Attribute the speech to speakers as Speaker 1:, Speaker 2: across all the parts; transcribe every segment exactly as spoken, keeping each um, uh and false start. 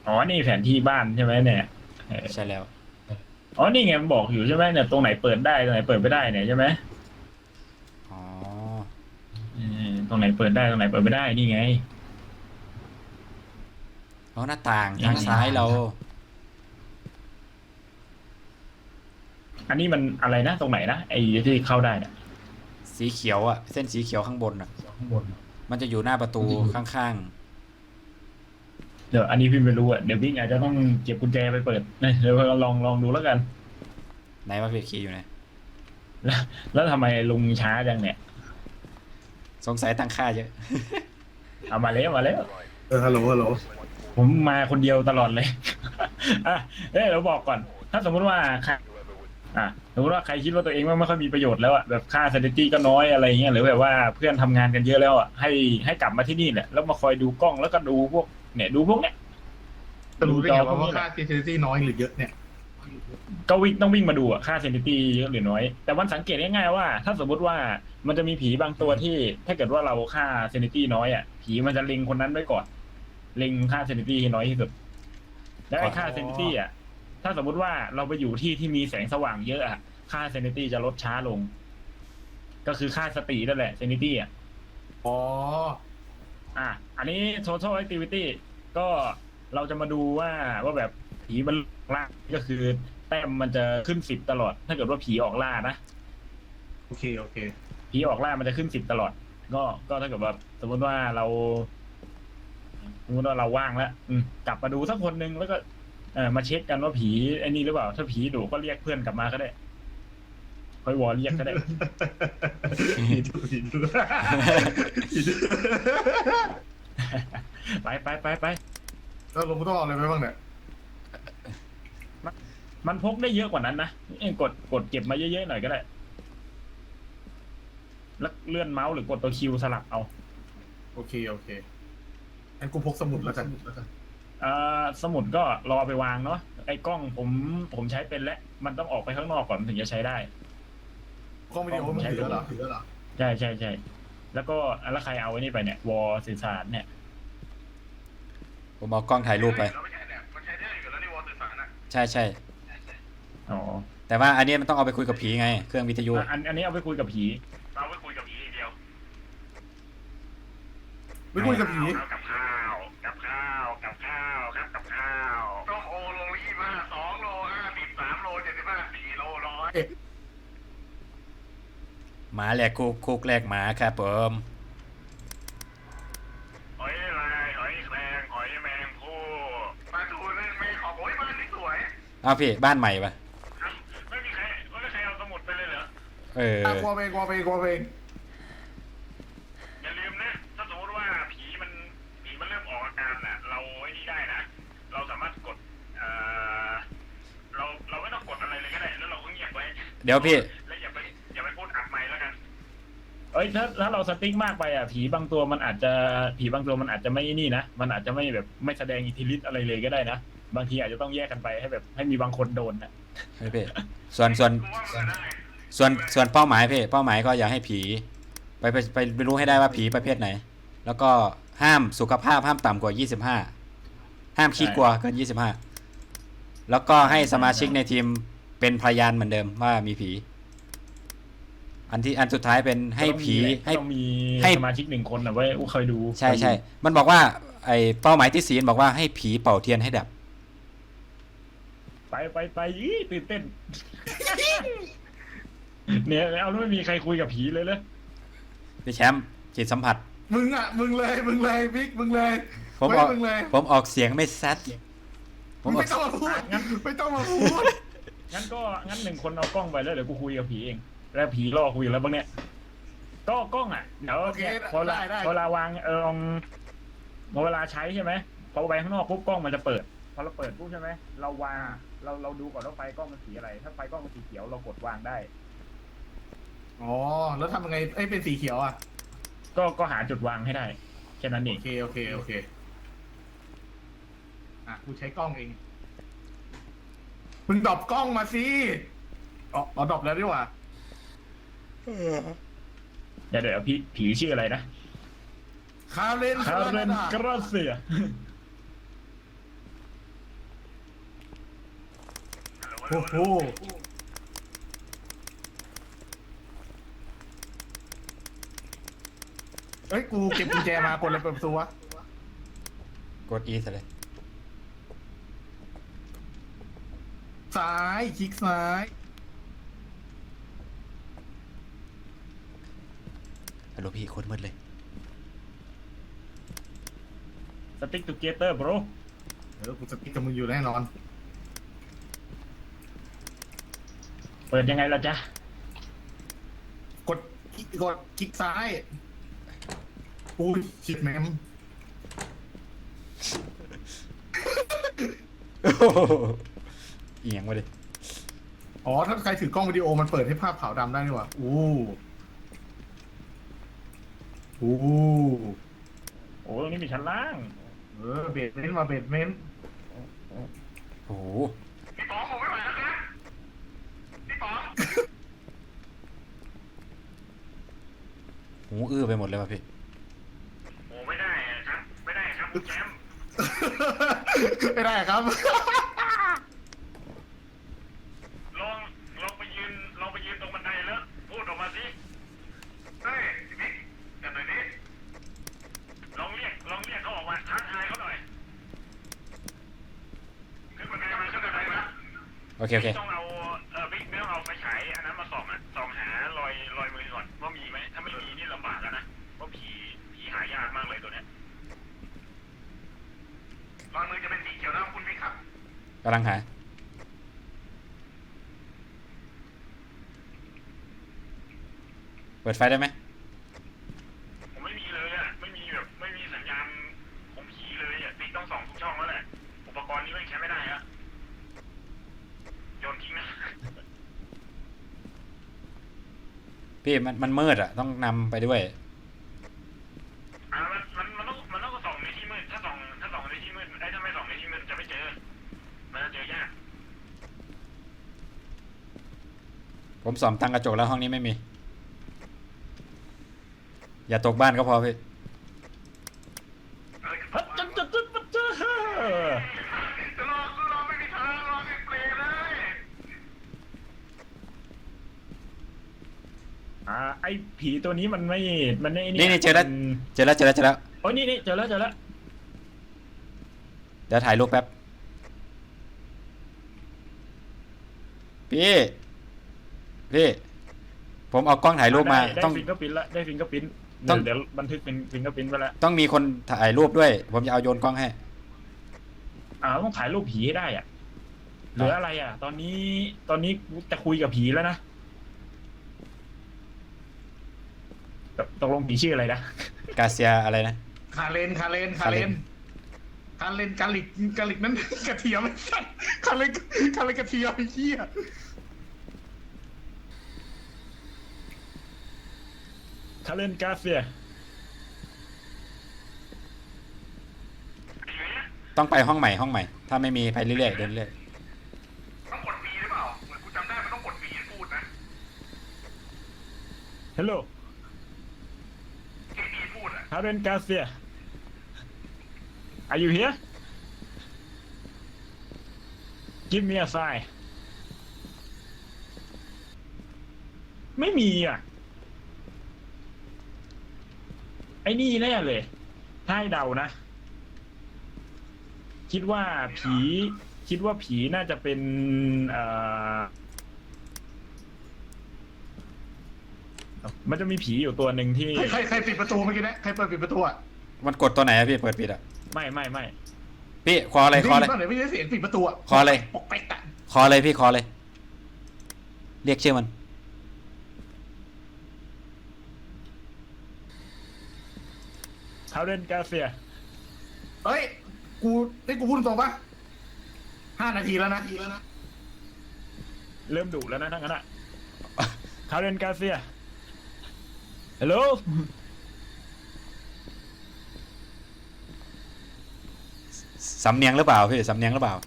Speaker 1: อ๋อนี่แผนที่บ้านใช่ไหมเนี่ยเออ
Speaker 2: ใช่แล้ว
Speaker 1: อ๋อนี่ไงมันบอกอยู่ใช่ไหมเนี่ยตรงไหนเปิดได้ตรงไหนเปิดไม่ได้เนี่ยใช่ไหม
Speaker 2: อ๋อ
Speaker 1: เออตรงไหนเปิดได้ตรงไหนเปิดไม่ได้นี่ไง
Speaker 2: อ๋อหน้าต่าง
Speaker 1: นี่
Speaker 2: ทางซ้ายเรา
Speaker 1: อันนี้มันอะไรนะตรงไหนนะไอ้ที่เข้าได้เนี่ย
Speaker 2: สีเขียวอะเส้นสีเขียวข้างบนอะ
Speaker 1: ข้างบน
Speaker 2: มันจะอยู่หน้าประตูข้าง
Speaker 1: เดี๋ยวอันนี้พี่ไม่รู้อ่ะเดี๋ยวพี่อาจจะต้องเก็บกุญแจไปเปิดนะเดี๋ยวเราลองลองดูแล้วกัน
Speaker 2: ๆไหนว่าเพจคีย์อยู่ไหน
Speaker 1: แล้วแล้วทำไมลุงช้าจังเนี่ย
Speaker 2: สงสัยตั้งค่าเยอะ
Speaker 1: เอามาแล้วมาแล้ว
Speaker 3: เออฮัลโหลฮัลโหล
Speaker 1: ผมมาคนเดียวตลอดเลยอ่ะเอ้ยเราบอกก่อนถ้าสมมุติว่าใครอ่ะสมมติว่าใครคิดว่าตัวเองไม่ค่อยมีประโยชน์แล้วอ่ะแบบค่า sanity ก็น้อยอะไรเงี้ยหรือแบบว่าเพื่อนทำงานกันเยอะแล้วอ่ะให้ให้กลับมาที่นี่แหละแล้วมาคอยดูกล้องแล้วก็ดูพวกเนี่ยดูพวกเนี้ย
Speaker 3: จะรู้ได้ไงว่าว่าค่า
Speaker 1: แหละ
Speaker 3: security น้อยหรือเยอะเนี่ย
Speaker 1: ก็วิ่งต้องวิ่งมาดูอะค่า sanity เยอะหรือน้อยแต่วันสังเกตง่ายๆว่าถ้าสมมติว่ามันจะมีผีบางตัวที่ถ้าเกิดว่าเราค่า sanity น้อยอ่ะผีมันจะเล็งคนนั้นไว้ก่อนเล็งค่า sanity ให้น้อยที่สุดแล้วไอ้ค่า sanity อ่ะถ้าสมมุติว่าเราไปอยู่ที่ที่มีแสงสว่างเยอะอ่ะค่า sanity จะลดช้าลงก็คือค่าสตินั่นแหละ sanity อ่ะ
Speaker 3: อ๋อ
Speaker 1: อ่ะอันนี้ total activity ก็เราจะมาดูว่าว่าแบบผีมันล่าก็คือแต้มมันจะขึ้นสิบตลอด ถ้าเกิดว่าผีออกล่านะ
Speaker 3: โอเคโอเค
Speaker 1: ผีออกล่ามันจะขึ้นสิบตลอด ก็ก็ถ้าเกิดว่าสมมติว่าเราสมมติว่าเราว่างแล้วอืมกลับมาดูสักคนหนึ่งแล้วก็เออมาเช็คกันว่าผีไอ้นี่หรือเปล่า ถ้าผีดุก็เรียกเพื่อนกลับมาก็ได้ค่อยวอลเรียกก็ได้
Speaker 3: ผีดูผีดูผีดู
Speaker 1: ไปไปไปไป
Speaker 3: แล้วลงต้องเอาอะไรไปบ้างเนี่ย
Speaker 1: มันพกได้เยอะกว่านั้นนะเองกดกดเก็บมาเยอะๆหน่อยก็ได้แล้วเลื่อนเมาส์หรือกดตัวคิวสลับเอา
Speaker 3: โอเคโอเคงั้นกูพกสมุดแล้วกัน
Speaker 1: เอ่อสมุดก็รอไปวางเนาะไอ้กล้องผมผมใช้เป็นแล้วมันต้องออกไปข้างนอกก่อนถึงจะใช้ได้
Speaker 3: กล้องวิดีโอมันถือแล้วเหรอถือแล้วเหรอ
Speaker 1: ใช่ใช่ใช่แล้วก็แล้วใครเอาไว้นี่ไปเนี่ยวอลสื่อสารเนี่ย
Speaker 2: ผมเอากล้องถ่ายรูปไปใช่ใช่
Speaker 1: อ๋อ
Speaker 2: แต่ว่าอันนี้มันต้องเอาไปคุยกับผีไงเครื่องวิทยุ
Speaker 1: อันอันนี้เอาไปคุยกับผีเอาไปคุยกับผีเดียว
Speaker 3: ไม่คุยกับผี
Speaker 1: กับข้าวกับข้าวกับข้าวครับกับข้าวต้มโอโลยี่ห้าสองโลห้าสิบสามโลเจ็ดสิบห้าสี่โลร้อย
Speaker 2: หมาแหลกคุกคุกแหลกหมาครับผม
Speaker 1: หอยลายหอยแครงหอยแมงผู้ปลาทูนึ่งไม่ขอบโอ้ยบ้านนี่สวย
Speaker 2: เอาพี่บ้านใหม่ปะ
Speaker 1: ไม่มีใครไม่มีใครเอาสมุดไปเลยเหรอ
Speaker 2: เออ
Speaker 3: อ่ะกลัวเองกลัวเองกลัวเอง
Speaker 1: อย่าลืมนะถ้าสมมติว่าผีมันผีมันเริ่มออกอาการน่ะเราไอ้นี่ได้นะเราสามารถกดเอ่อเราเราไม่ต้องกดอะไรเลยก็ได้แล้วเราก็เงียบไว้
Speaker 2: เดี๋ยวพี่
Speaker 1: แล้วอย่าไปอย่าไปพูดอัดไมค์แล้วกันเอ้ยถ้าถ้าเราสติ๊กมากไปอ่ะผีบางตัวมันอาจจะผีบางตัวมันอาจจะไม่นี่นะมันอาจจะไม่แบบไม่แสดงอิทธิฤทธิ์อะไรเลยก็ได้นะบางทีอาจจะต้องแยกกันไปให้แบบให้มีบางคนโดนนะ
Speaker 2: เฮ้ยพี่ส่วนส่วนส่วนส่วนเป้าหมายพี่เป้าหมายก็อยากให้ผีไปไปไปไปรู้ให้ได้ว่าผีประเภทไหน แล้วก็ห้ามสุขภาพห้ามต่ำกว่ายี่สิบห้าห้ามขี้กลัวเกินยี่สิบห้าแล้วก็ให้สมาชิกในทีมเป็นพยานเหมือนเดิมว่ามีผี อันที่อันสุดท้ายเป็นให้ผีให้
Speaker 1: ต้องมีสมาชิกหนึ่งคนนะไว้คอยดู
Speaker 2: ใช่ใช่มันบอกว่าไอเป้าหมายที่สี่บอกว่าให้ผีเป่าเทียนให้ดับ
Speaker 1: ไปไปไปยี่ตื่นเต้นเนี่ยเอาไม่มีใครคุยกับผีเลยเลย
Speaker 2: พี่แชมป์จิตสัมผัส
Speaker 3: มึงอ่ะมึงเลยมึงเลยบิ๊กมึงเลย
Speaker 2: ผมออกผมออกเสียงไม่ซัด
Speaker 3: ผมไม่ต้องมาพูดงั้นไม่ต้องมาพูด
Speaker 1: งั้นก็งั้นหนึ่งคนเอากล้องไปแล้วเดี๋ยวกูคุยกับผีเองแล้วผีล่อคุยแล้วบ้างเนี่ยก็กล้องอ่ะเดี๋ยวพอเวลาพอเวลาวางเออพอเวลาใช้ใช่ไหมพอไปข้างนอกปุ๊บกล้องมันจะเปิดพอเราเปิดปุ๊บใช่ไหมเราวางเราเราดูก่อนว่าไฟกล้องมันสีอะไรถ้าไฟกล้องมันสีเขียวเรากดวางได้
Speaker 3: อ๋อแล้วทำยังไงไอ้เป็นสีเขียวอ่ะ
Speaker 1: ก็ก็หาจุดวางให้ได้แค่นั้นเอง
Speaker 3: โอเคโอเคโอเคอ่ะกูใช้กล้องเองมึงดรอปกล้องมาสิอ๋ออ๋อดรอปแล้วดีกว่า
Speaker 1: เดี๋ยวเดี๋ยวพี่ผีชื่ออะไรนะ
Speaker 3: คาเรน
Speaker 1: คาเรนกราเซีย
Speaker 3: โอ้โหเอ้ยกูเก็บกุญแจมากดอะไรเปิดประตูวะ
Speaker 2: กด E ซะเลย
Speaker 3: ซ้ายคลิกซ้าย
Speaker 2: ฮัลโหลพี่โคตรมืดเลย
Speaker 1: สติ๊กตูเกเตอร์บร
Speaker 3: เออกูจะติดกับมึงอยู่แน่นอน
Speaker 1: เปิดยังไงล่ะจ๊ะ
Speaker 3: กดกดคลิกซ้ายอุ้ยชิดแมม
Speaker 2: เอียงมาดิ
Speaker 3: อ๋อถ้าใครถือกล้องวิดีโอมันเปิดให้ภาพขาวดำได้นี่หว่าอู้อู้
Speaker 1: โอ้ตรงนี้มีชั้นล่าง
Speaker 3: เออเบสเมนต์มาเบสเมนต์
Speaker 2: โอ้โห
Speaker 3: พี่ป๋องผมไม่ไหวแล้วครับพี่ป๋อง
Speaker 2: หูอื้อไปหมดเลยว่ะพี่
Speaker 1: โอ้ไม่ได้ครับ ไม่ได้ครับแชมป์
Speaker 3: ไม่ได้ครับ
Speaker 1: ลองลองไปยืนลองไปยืนตรงบันไดแล้วพูดออกมาสิเฮ้ยพี่บิ๊กจับหน่อยดิลองเรียกลองเรียกเขาออกมาทักทายเขาหน่อยขึ้นบันไดมาขึ้นบันไดมา
Speaker 2: โอเคโอเค
Speaker 1: ต้องเอาเออบิ๊กไม่ต้องเอาไฟฉายอันนั้นมาส่องอ่ะส่องหารอยรอยมือก่อนว่ามีไหมถ้าไม่มีนี่ลำบากแล้วนะเพราะผีผีหายากมากเลยตัวเนี้ยรอยมือจะเป็นสีเขียวนะคุณบิ๊กครับ
Speaker 2: กำลังหา เปิดไฟได้ไหม
Speaker 1: ผมไม่มีเลยอ่ะไม่มีแบบไม่มีสัญญาณของผีเลยอ่ะติ๊กต้องส่องทุกช่องแล้วแหละอุปกรณ์นี้ไม่ใช้ไม่ได้อะโยนทิ้งนะ
Speaker 2: พี่มันมันมืดอ่ะ ต้องนำไปด้วย
Speaker 1: อ่ามันมันมันต้องมันต้องส่องในที่มืดถ้าส่องถ้าส่องในที่มืดไอ้ถ้าไม่ส่องในที่มืดจะไม่เจอมันจะเจอยาก
Speaker 2: ผมส่อมตั้งกระจกแล้วห้องนี้ไม่มี อย่าตกบ้านก็พอพี่
Speaker 1: พัดจัดจัดจัดจัดจัด
Speaker 3: จะรอก็รอไม่มีทางรอไม่เปลเลย
Speaker 1: อ่าไอ้ผีตัวนี้มันไม่มันไม่
Speaker 2: นี่นี่เจอแล้ว เจอแล้วเจอแล้วเจอแล้ว
Speaker 1: โอ้ยนี่นี่เจอแล้วเจอแล้ว
Speaker 2: เดี๋ยวถ่ายรูปแป๊บ พี่ พี่ ผมเอากล้องถ่ายรูปมา
Speaker 1: ได้
Speaker 2: ต้อง
Speaker 1: ฟิงก็ปิ้นละได้ฟิงก็ปิ้น
Speaker 2: ต้อง
Speaker 1: เดี๋ยวบันทึกเป็นฟิงก็ปิ้นไปแล้ว
Speaker 2: ต้องมีคนถ่ายรูปด้วย ผมจะเอาโยนกล้องให้
Speaker 1: อ่าต้องถ่ายรูปผีให้ได้อ่ะเหลืออะไรอ่ะ ตอนนี้ตอนนี้จะคุยกับผีแล้วนะตกตกลงผีชื่ออะไรนะ
Speaker 2: กาเซียอะไรนะ
Speaker 3: คาเลนคาเลนคาเลนคาเลนกาลิกกาลิกนั้นกระเทียมไม่ใช่คาเลนคาเลนกระเทียมไอ้เหี้ย
Speaker 1: คาเลนกาเซีย
Speaker 2: ต้องไปห้องใหม่ห้องใหม่ ถ้าไม่มีไปเรื่อยๆเดินเรื่อย
Speaker 3: ต้องกดบีหรือเปล่าเหมือนกูจำได้มันต้องกดบีพูดนะ
Speaker 1: ฮัลโหล
Speaker 3: เคบีพูดอ่ะ
Speaker 1: คาเลนกาเซีย Are you here Give me a sign ไม่มีอ่ะไอ้นี่แน่เลย ถ้าให้เดานะ คิดว่าผี คิดว่าผีน่าจะเป็นเอ่อมันจะมีผีอยู่ตัวหนึ่งที่
Speaker 3: ใครใครใครปิดประตูเมื่อกี้นะใครเปิดปิดประตูอ่ะ
Speaker 2: ๆมันกดตัวไหนอะพี่เปิดปิดอะ
Speaker 1: ไม่ไม่ไม่
Speaker 2: พี่คออะไรคออะไร
Speaker 3: ได้ยินป่ะไหนไม่ได้เสียงปิดประตูอ่ะ
Speaker 2: คออะไร
Speaker 3: ปกเป๊กอ่ะ
Speaker 2: คออะไรพี่คออะไรเรียกชื่อมัน
Speaker 1: คาเรนกาเซีย
Speaker 3: เฮ้ยกูได้กูพูดตรงปะห้านาทีแล้วนะทีแล้วนะ
Speaker 1: เริ่มดุแล้วนะทั้งนั้นอะคาเรนกาเซียฮัลโหล
Speaker 2: สำเนียงหรือเปล่าพี่สำเนียงหรือเปล่า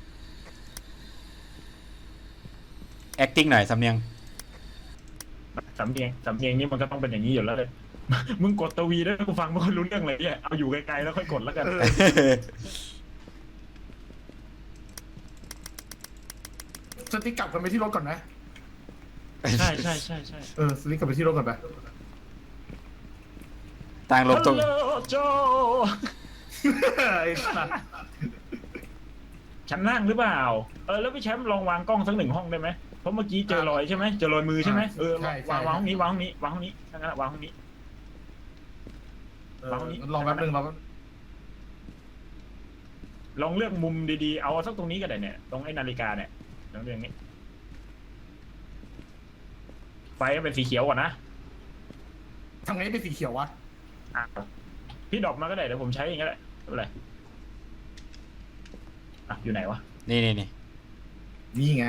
Speaker 2: acting หน่อยสำเนียง
Speaker 1: สำเนียงสำเนียงนี่มันก็ต้องเป็นอย่างนี้อยู่แล้วเลย มึงกดตวีด้วยกูฟังไม่ค่อยรู้เรื่องเลยเนี่ยเอาอยู่ไกลๆแล้วค่อยกดแล้วกัน
Speaker 3: สสติ๊กกลับกันไปที่รถก่อนนะ
Speaker 1: ใช่ใช่ใช่ใช่
Speaker 3: เออสติ๊กกลับไปที่รถก่อนไป
Speaker 2: ต่างลบตรง
Speaker 1: ฮัลโหลโจ
Speaker 3: ไอ้สัส
Speaker 1: ฉันนั่งหรือเปล่าเออแล้วพี่แชมป์ลองวางกล้องสักหนึ่งห้องได้ไหมเพราะเมื่อกี้เจอรอยใช่ไหมเจอรอยมือใช่ไหมเออวางวางห้องนี้วางห้องนี้วางห้องนี้ทั้งนั้นวางห้องนี้
Speaker 3: เออลองแป๊บนึงลองแป๊บ
Speaker 1: ลองเลือกมุมดีๆเอาสักตรงนี้ก็ได้เนี่ยตรงไอ้นาฬิกาเนี่ยลองเลือกนี้ไฟเป็นสีเขียวก่อนนะ
Speaker 3: ทำไงเป็นสีเขียววะ
Speaker 1: อ่ะพี่ดรอปมาก็ได้เดี๋ยวผมใช้อย่างนี้แหละไม่เป็นไรอ่ะอยู่ไหนวะ
Speaker 2: นี่นี่นี่
Speaker 3: นี่ไง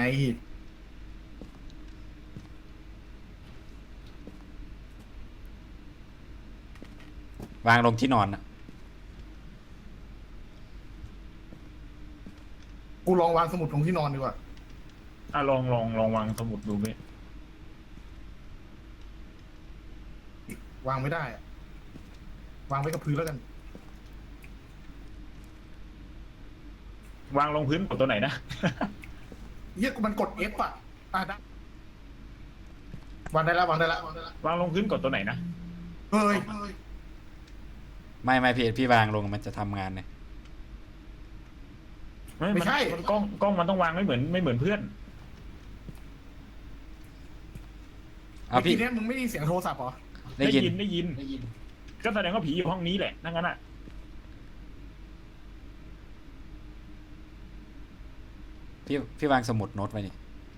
Speaker 2: วางลงที่นอนนะ
Speaker 3: กูลองวางสมุดลงที่นอนดีกว่า
Speaker 1: อ่ะลองลองลองวางสมุดดูไหม
Speaker 3: วางไม่ได้อะวางไว้กับพื้นแล้วกัน
Speaker 1: วางลงพื้นกดตัวไหนนะ
Speaker 3: เฮียกูมันกด F อ่ะอ่ะได้วางได้แล้ววางได้แล้ววางได้แล้ว
Speaker 1: วางลงพื้นกดตัวไหนนะ
Speaker 3: เฮ้ย
Speaker 2: ไม่ไม่พี่พี่วางลงมันจะทำงานเนี่ย
Speaker 3: ไม่ใช่
Speaker 1: นกล้องกล้องมันต้องวางไม่เหมือนไม่เหมือนเพื่อน
Speaker 2: เอา
Speaker 3: เมื่อ
Speaker 2: พี่
Speaker 3: กี้เนี้ยมึงไม่ได้ยินเสียงโทรศัพท์เหรอ
Speaker 2: ได้ยิน
Speaker 1: ได้ยินก็แสดงว่าผีอยู่ห้องนี้แหละนั่นงั้นอ่ะ
Speaker 2: พี่พี่วางสมุดโน้ตไว้นี่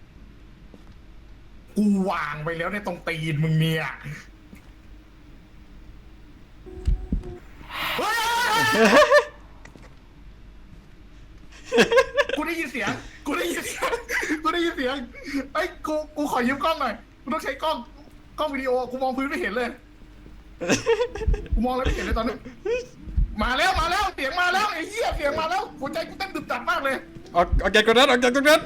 Speaker 3: กูวางไปแล้วในตรงตีนมึงเนี่ยเฮ้ยกูได้ยินเสียง กูได้ยินเสียง กูได้ยินเสียงไอ้ยกู กูขอยืมกล้องหน่อย กูต้องใช้กล้อง กล้องวิดีโอ กูมองพื้นไม่เห็นเลย กูมองแล้วไม่เห็นเลยตอนนี้ มาแล้ว มาแล้ว เสียงมาแล้วไอ้เหี้ย เสียงมาแล้ว หัวใจกูเต้นดึบดับมากเลย
Speaker 2: ออกออกจากตรงนั้นออกจากตรงนั้น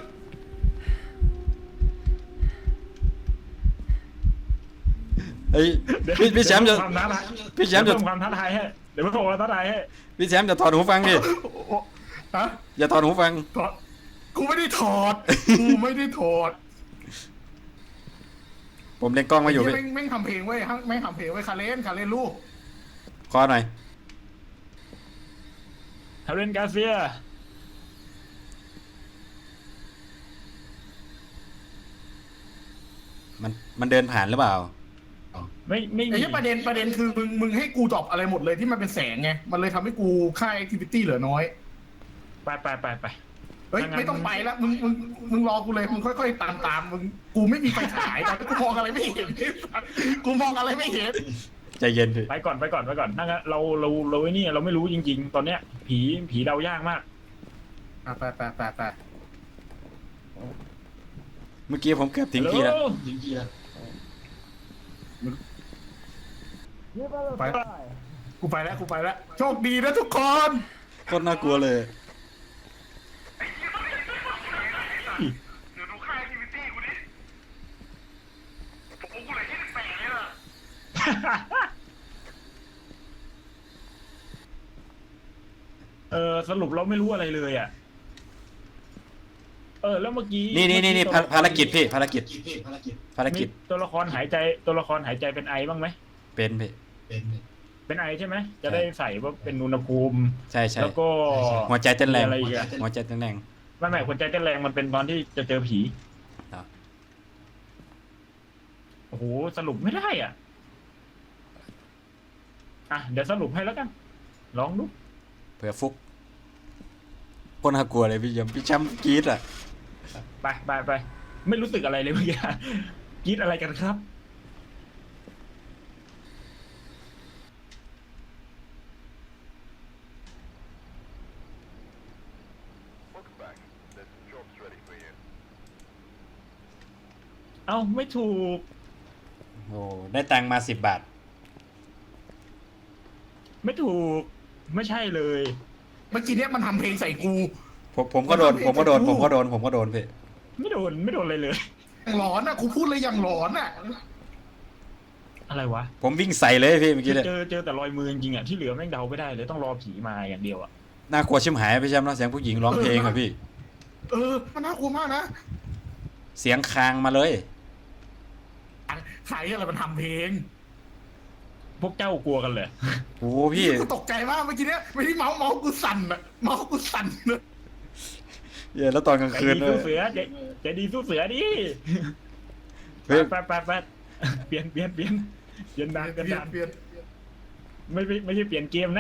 Speaker 2: ไอ้ยพี่พี่แชมป์จะ
Speaker 1: ความท้าทาย
Speaker 2: พี่แชมป์จะ
Speaker 1: เดี๋ยวเพิ่ความท้าทายให้เดี๋ยวเพิ่มความท้าทายให้
Speaker 2: พี่แชมป์จะถอดหูฟังดิ
Speaker 3: ฮะ
Speaker 2: อย่าถอดหูฟัง
Speaker 3: ถอด กูไม่ได้ถอด กูไม่ได้ถอด
Speaker 2: ผมเล่นกล้องมาอยู่
Speaker 3: ไอ้
Speaker 2: พี่
Speaker 3: เหี้ยแม่งแม่งทำเพลงเว้ยฮะแม่งทำเพลงเว้ยคาเลนคาเลนลูก
Speaker 2: คอหน่อย
Speaker 1: ทาเรนกาเซีย
Speaker 2: มันมันเดินผ่านหรือเปล่า
Speaker 1: ไม่ไม่
Speaker 3: ไอ้
Speaker 1: มี
Speaker 3: เหี้ยประเด็นประเด็นคือมึงมึงให้กูดรอปอะไรหมดเลยที่มันเป็นแสงไง มันเลยทำให้กูค่า activity เหลือน้อย
Speaker 1: ไปไปไปไป
Speaker 3: เฮ้ย
Speaker 1: ถ้างั้น
Speaker 3: ไม่ต้องไปแล้วมึงมึงมึงรอกูเลยมึงค่อยๆตามตามมึงกูไม่มีไฟฉายตอนนี้กูมองอะไรไม่เห็นกูมองอะไรไม่เห็น
Speaker 2: ใจเย็นพี่
Speaker 1: ไปก่อนไปก่อนไปก่อนถ้างั้นเราเราเราไอ้นี่เราไม่รู้จริง ๆ ตอนเนี้ย ผีผีเดายากมาก
Speaker 3: อ่ะไปไปไปไป
Speaker 2: เมื่อกี้ผมเกือบทิ้งพี่แล้ว
Speaker 3: ไปกูไปแล้วกูไปแล้วโชคดีนะทุกคน
Speaker 2: โคตรน่ากลัวเลย
Speaker 3: เดี๋ยวดูค่า activity กูดิผมกูเหลือยี่สิบแปดเลยล่ะ
Speaker 1: เออสรุปเราไม่รู้อะไรเลยอ่ะ เออ แล้วเมื่อกี้
Speaker 2: นี่นี่นี่นี่ภาภารกิจพี่ภารกิจภาร
Speaker 1: มี
Speaker 2: กิจ
Speaker 1: ตัวละครหายใจตัวละครหายใจเป็นไอบ้างไหม
Speaker 2: เป็นพี่
Speaker 1: เป็นไอใช่ไหมจะได้ใส่ว่าเป็นอุณหภูมิ
Speaker 2: ใช่ใช่
Speaker 1: แล้วก็
Speaker 2: หัวใจเต้นแรง
Speaker 1: มีอะไรอีกอะ
Speaker 2: หัวใจเต้นแรง
Speaker 1: ไม่ไม่หัวใจเต้นแรงมันเป็นตอนที่จะเจอผี
Speaker 2: ครับ
Speaker 1: โอ้โหสรุปไม่ได้อ่ะอ่ะเดี๋ยวสรุปให้แล้วกัน ลองดู
Speaker 2: เผื่อฟุกโคตรน่ากลัวเลยพี่ยมพี่แชมป์กรี๊ดอ่ะ
Speaker 1: ไปไปไปไม่รู้สึกอะไรเลยเมื่อกี้ กรีดอะไรกันครับ เอ้าไม่ถูก
Speaker 2: โอ้ได้ตังค์มาสิบบาท
Speaker 1: ไม่ถูก ไม่ใช่เลย
Speaker 3: เมื่อกี้เนี้ยมันทำเพลงใส่กู
Speaker 2: ผมผมก็โดน ผมก็โดน ผมก็โดน ผมก็โดนพี่
Speaker 1: ไม่โดนไม่โดนอะไรเลย
Speaker 3: อย่างหลอนอ่ะกูพูดเลยอย่างหลอนอ่ะ
Speaker 1: อะไรวะ
Speaker 2: ผมวิ่งใส่เลยพี่เมื่อกี้เลย
Speaker 1: เจอเจอแต่รอยมือจริงๆอ่ะที่เหลือแม่งเดาไม่ได้เลยต้องรอผีมาอย่างเดียวอ่ะ
Speaker 2: น่ากลัวชิมหายพี่แชมป์เนาะเสียงผู้หญิงร้องเพลงอะพี่
Speaker 3: เออมันน่ากลัวมากนะ
Speaker 2: เสียงคางมาเลย
Speaker 3: ใครอะไรมันทำเพลง
Speaker 1: พวกเจ้ากลัวกันเลย
Speaker 2: โอ้พี่
Speaker 3: กูตกใจมากเมื่อกี้เนี้ยไม่ที่เมาส์เมาส์กูสั่นอะเมาส์กูสั่นเลย
Speaker 2: เย้แล้วตอนกลาง
Speaker 1: ใจ
Speaker 2: คืน
Speaker 1: ดี
Speaker 2: ด้ว
Speaker 1: สู้
Speaker 2: ย
Speaker 1: เสือใจใจดีสู้เสือดิ
Speaker 2: เฮ้ย
Speaker 1: ไปไปไปเปลี่ยนเปลี่ยนเปลี่ยนเปลี่ยนดาน
Speaker 3: เป
Speaker 1: เปลี่ยน
Speaker 3: ลี่ย
Speaker 1: ดาน น
Speaker 3: เปลี่ยน
Speaker 1: ไม่ไม่ไม่ใช่เปลี่ยนเกมนะ